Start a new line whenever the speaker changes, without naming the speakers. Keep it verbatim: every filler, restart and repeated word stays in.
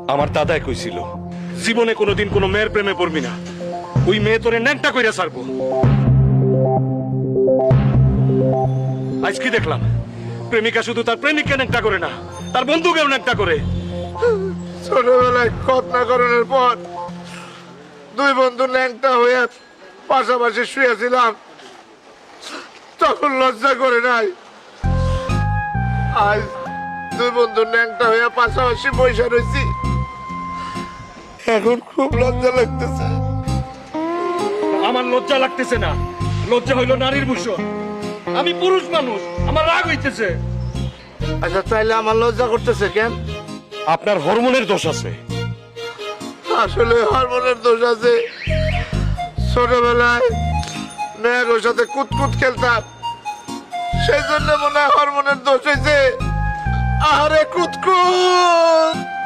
আমার দাদাই কইছিল জীবনে কোনোদিন কোনো মেয়ের প্রেমে পড়বি না, ওই মেয়ে তোরে ন্যাংটা কইরা ছাড়বো। আজ কি দেখলাম, প্রেমিকা শুধু তার প্রেমিককে ন্যাংটা করে না, তার বন্ধুকেও ন্যাংটা করে।
ছোটবেলায় ঘটনা করার পর দুই বন্ধু ন্যাংটা হয়ে পাশাপাশি শুয়েছিলাম, তখন লজ্জা করে নাই। আজ দুই বন্ধু ন্যাংটা হয়ে পাশাপাশি বসে রয়েছি, এখন খুব লজ্জা লাগতেছে।
আমার লজ্জা লাগতেছে না, লজ্জা হইল নারীর ভূষণ। আমি পুরুষ মানুষ, আমার রাগ হইতেছে।
আচ্ছা তাইলে আমার লজ্জা করতেছে কেন?
আপনার হরমোনের দোষ আছে।
আসলে হরমোনের দোষ আছে। ছোটবেলায় মেয়ের সাথে কুতকুত খেলতাম, সেই জন্য মনে হয় হরমোনের দোষ হয়েছে। আরে কুতকুত